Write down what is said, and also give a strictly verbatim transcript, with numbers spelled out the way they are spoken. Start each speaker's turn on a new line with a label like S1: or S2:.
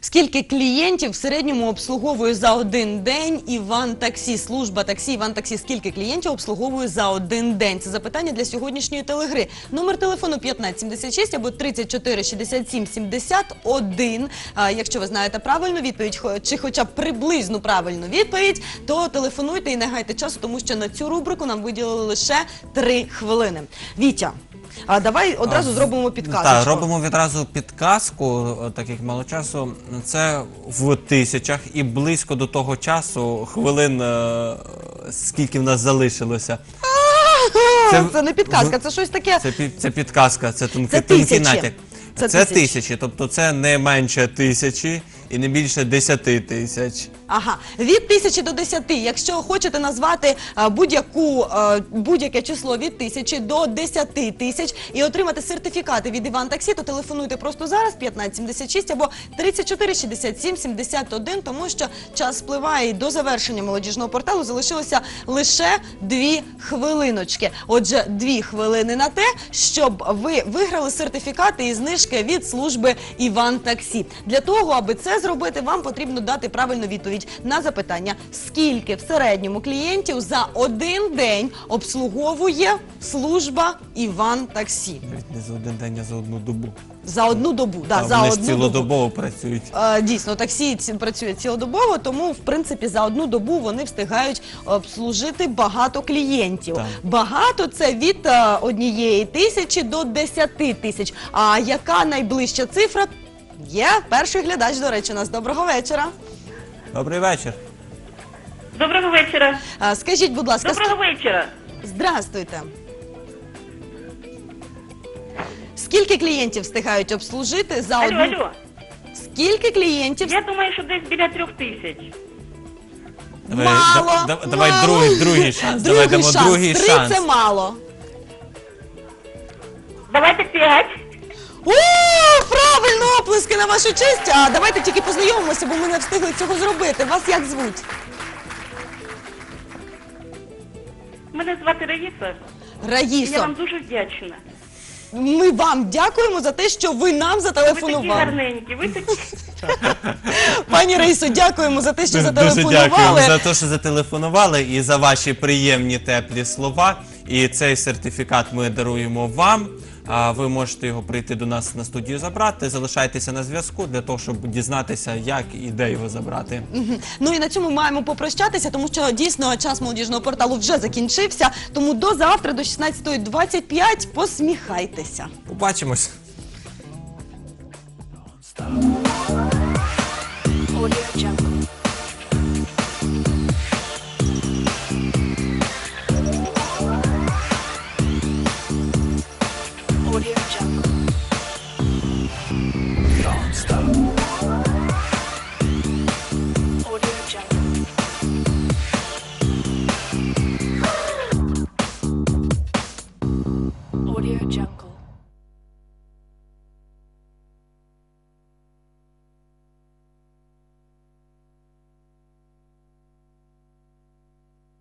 S1: Скільки клієнтів в середньому обслуговує за один день Іван Таксі? Служба таксі Іван Таксі. Скільки клієнтів обслуговує за один день? Це запитання для сьогоднішньої телегри. Номер телефону п'ятнадцять сімдесят шість або тридцять чотири шістдесят сім сімдесят один. А якщо ви знаєте правильну відповідь, чи хоча б приблизну правильну відповідь, то телефонуйте і не гайте часу, тому що на цю рубрику нам виділили лише три хвилини. Вітя, а давай одразу а, зробимо підказку.
S2: Так, робимо відразу підказку, так як мало часу. Це в тисячах і близько до того часу, хвилин, скільки в нас залишилося.
S1: Це, це не підказка, це щось таке.
S2: Це, це підказка, це тонкий, тонкий натяк. Це, це тисячі. тисячі, тобто це не менше тисячі і не більше десяти тисяч.
S1: Ага, від тисячі до десяти. Якщо хочете назвати будь-яку будь-яке число від тисячі до десяти тисяч і отримати сертифікати від Іван Таксі, то телефонуйте просто зараз п'ятнадцять сімдесят шість або тридцять чотири шістдесят сім сімдесят один, тому що час спливає і до завершення молодіжного порталу залишилося лише дві хвилиночки. Отже, дві хвилини на те, щоб ви виграли сертифікати і знижки від служби Іван Таксі. Для того, аби це зробити, вам потрібно дати правильну відповідь на запитання, скільки в середньому клієнтів за один день обслуговує служба Іван Таксі.
S2: Не за один день, а за одну добу.
S1: За одну добу, да,
S2: а
S1: за
S2: вони
S1: одну
S2: ж цілодобово добу. працюють.
S1: А, дійсно, таксі працює цілодобово, тому, в принципі, за одну добу вони встигають обслужити багато клієнтів. Так. Багато – це від а, однієї тисячі до десяти тисяч. А яка найближча цифра? Є перший глядач, до речі, у нас. Доброго вечора.
S2: Добрий вечір.
S3: Доброго вечора.
S1: А, скажіть, будь ласка.
S3: Доброго вечора.
S1: Здрастуйте. Скільки клієнтів встигають обслужити за
S3: алло,
S1: одну...
S3: Алло,
S1: Скільки клієнтів?
S3: Я думаю, що десь біля трьох тисяч.
S2: Давай,
S1: мало,
S2: да, да, давай
S1: мало.
S2: другий, другий шанс.
S1: Другий
S2: давай дамо
S1: шанс.
S2: другий
S1: Три
S2: шанс.
S1: це мало.
S3: Давайте п'ять.
S1: О, правильно, оплески на вашу честь. А давайте тільки познайомимося, бо ми не встигли цього зробити. Вас як звуть?
S3: Мене звати Раїса.
S1: Раїсо.
S3: Я вам дуже вдячна.
S1: Ми вам дякуємо за те, що ви нам
S3: Ви такі
S1: зателефонували.
S3: гарненькі, ви такі...
S1: Пані Раїсо, дякуємо за те, що
S2: Дуже
S1: зателефонували.
S2: дякуємо за те, що зателефонували і за ваші приємні теплі слова. І цей сертифікат ми даруємо вам. А ви можете його прийти до нас на студію забрати. Залишайтеся на зв'язку для того, щоб дізнатися, як і де його забрати.
S1: Угу. Ну і на цьому маємо попрощатися, тому що дійсно час молодіжного порталу вже закінчився. Тому до завтра, до шістнадцятої двадцять п'ять, посміхайтеся.
S2: Побачимось.
S4: Audio Jungle.